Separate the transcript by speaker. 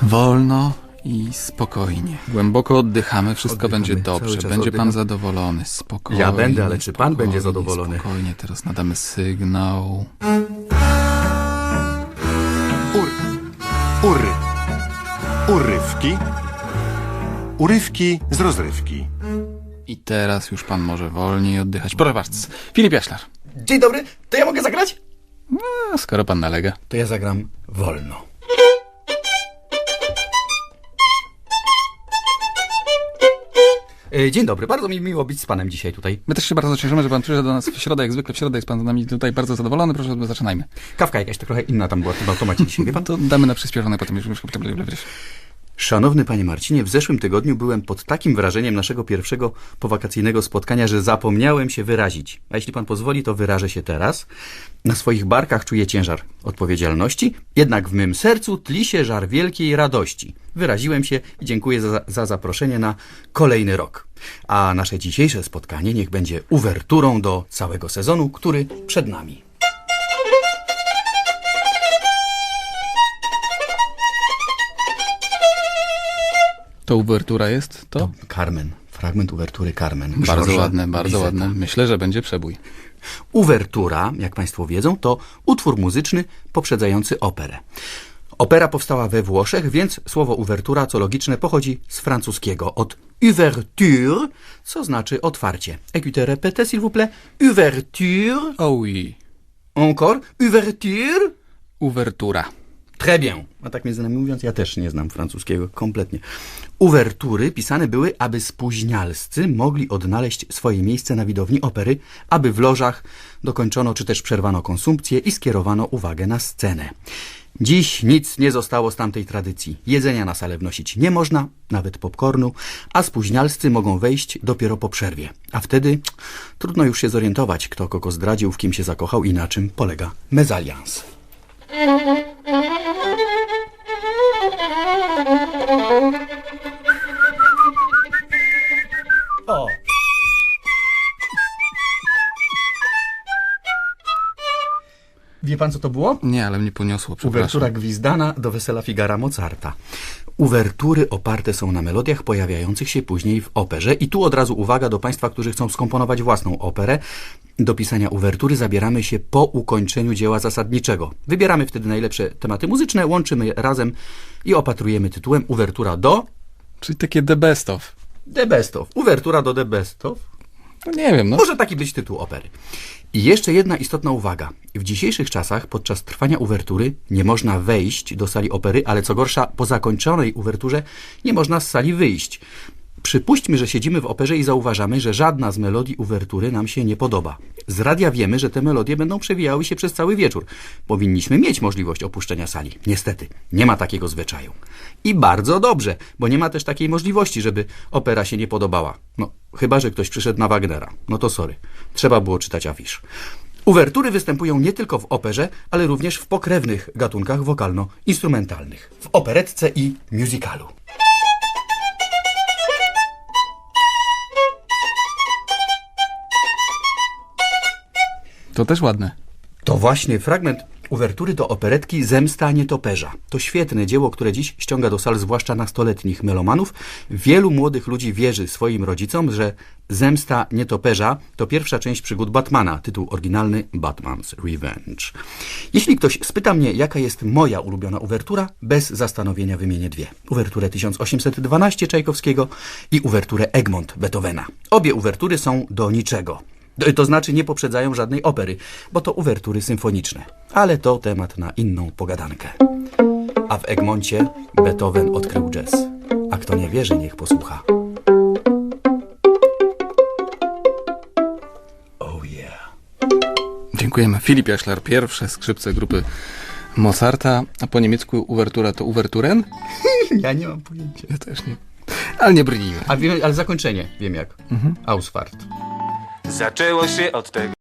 Speaker 1: Wolno i spokojnie. Głęboko oddychamy, wszystko będzie dobrze. Będzie pan zadowolony. Spokojnie.
Speaker 2: Ja będę, ale czy pan będzie zadowolony?
Speaker 1: Spokojnie, teraz nadamy sygnał.
Speaker 3: Urywki. Urywki z rozrywki.
Speaker 1: I teraz już pan może wolniej oddychać. Proszę bardzo. Filip Jaślar.
Speaker 2: Dzień dobry, to ja mogę zagrać?
Speaker 1: No, skoro pan nalega.
Speaker 2: To ja zagram wolno. Dzień dobry, bardzo mi miło być z panem dzisiaj tutaj.
Speaker 1: My też się bardzo cieszymy, że pan przyszedł do nas w środę, jak zwykle w środę jest pan z nami tutaj bardzo zadowolony. Proszę, zaczynajmy.
Speaker 2: Kawka jakaś trochę inna tam była w tym automacie dzisiaj, wie pan?
Speaker 1: To damy na przyspieszone, potem już...
Speaker 2: Szanowny panie Marcinie, w zeszłym tygodniu byłem pod takim wrażeniem naszego pierwszego powakacyjnego spotkania, że zapomniałem się wyrazić. A jeśli pan pozwoli, to wyrażę się teraz. Na swoich barkach czuję ciężar odpowiedzialności, jednak w mym sercu tli się żar wielkiej radości. Wyraziłem się i dziękuję za zaproszenie na kolejny rok. A nasze dzisiejsze spotkanie niech będzie uwerturą do całego sezonu, który przed nami.
Speaker 1: To uwertura jest to?
Speaker 2: Carmen. Fragment uwertury Carmen.
Speaker 1: Bardzo
Speaker 2: Georgesa
Speaker 1: ładne, bardzo
Speaker 2: Bizeta.
Speaker 1: ładne. Myślę, że będzie przebój.
Speaker 2: Uwertura, jak państwo wiedzą, to utwór muzyczny poprzedzający operę. Opera powstała we Włoszech, więc słowo uwertura, co logiczne, pochodzi z francuskiego od ouverture, co znaczy otwarcie. Écoutez, répétez, s'il vous plaît. Ouverture.
Speaker 1: Oh oui.
Speaker 2: Encore. Ouverture.
Speaker 1: Uwertura.
Speaker 2: Très bien. A tak między nami mówiąc, ja też nie znam francuskiego kompletnie. Uwertury pisane były, aby spóźnialscy mogli odnaleźć swoje miejsce na widowni opery, aby w lożach dokończono czy też przerwano konsumpcję i skierowano uwagę na scenę. Dziś nic nie zostało z tamtej tradycji. Jedzenia na salę wnosić nie można, nawet popcornu, a spóźnialscy mogą wejść dopiero po przerwie. A wtedy trudno już się zorientować, kto kogo zdradził, w kim się zakochał i na czym polega mezalians. O! Wie pan, co to było?
Speaker 1: Nie, ale mnie poniosło, przepraszam.
Speaker 2: Uwertura gwizdana do Wesela Figara Mozarta. Uwertury oparte są na melodiach pojawiających się później w operze. I tu od razu uwaga do państwa, którzy chcą skomponować własną operę. Do pisania uwertury zabieramy się po ukończeniu dzieła zasadniczego. Wybieramy wtedy najlepsze tematy muzyczne, łączymy je razem i opatrujemy tytułem Uwertura do
Speaker 1: Czyli takie the best of.
Speaker 2: The Best of. Uwertura do The Best of.
Speaker 1: No nie wiem, no.
Speaker 2: Może taki być tytuł opery. I jeszcze jedna istotna uwaga. W dzisiejszych czasach podczas trwania uwertury nie można wejść do sali opery, ale co gorsza, po zakończonej uwerturze nie można z sali wyjść. Przypuśćmy, że siedzimy w operze i zauważamy, że żadna z melodii uwertury nam się nie podoba. Z radia wiemy, że te melodie będą przewijały się przez cały wieczór. Powinniśmy mieć możliwość opuszczenia sali. Niestety, nie ma takiego zwyczaju. I bardzo dobrze, bo nie ma też takiej możliwości, żeby opera się nie podobała. No, chyba że ktoś przyszedł na Wagnera. No to sorry. Trzeba było czytać afisz. Uwertury występują nie tylko w operze, ale również w pokrewnych gatunkach wokalno-instrumentalnych. W operetce i musicalu.
Speaker 1: To też ładne.
Speaker 2: To właśnie fragment uwertury do operetki Zemsta nietoperza. To świetne dzieło, które dziś ściąga do sal zwłaszcza nastoletnich melomanów. Wielu młodych ludzi wierzy swoim rodzicom, że Zemsta nietoperza to pierwsza część przygód Batmana, tytuł oryginalny Batman's Revenge. Jeśli ktoś spyta mnie, jaka jest moja ulubiona uwertura, bez zastanowienia wymienię dwie. Uwerturę 1812 Czajkowskiego i uwerturę Egmont Beethovena. Obie uwertury są do niczego. To znaczy nie poprzedzają żadnej opery, bo to uwertury symfoniczne. Ale to temat na inną pogadankę. A w Egmoncie Beethoven odkrył jazz. A kto nie wierzy, niech posłucha. Oh yeah.
Speaker 1: Dziękujemy. Filip Jaślar, pierwsze skrzypce grupy Mozarta, a po niemiecku uwertura to Uwerturen?
Speaker 2: Ja nie mam pojęcia.
Speaker 1: Ja też nie. Ale nie brnijmy.
Speaker 2: Ale zakończenie wiem jak. Ausfahrt.
Speaker 4: Zaczęło się od tego.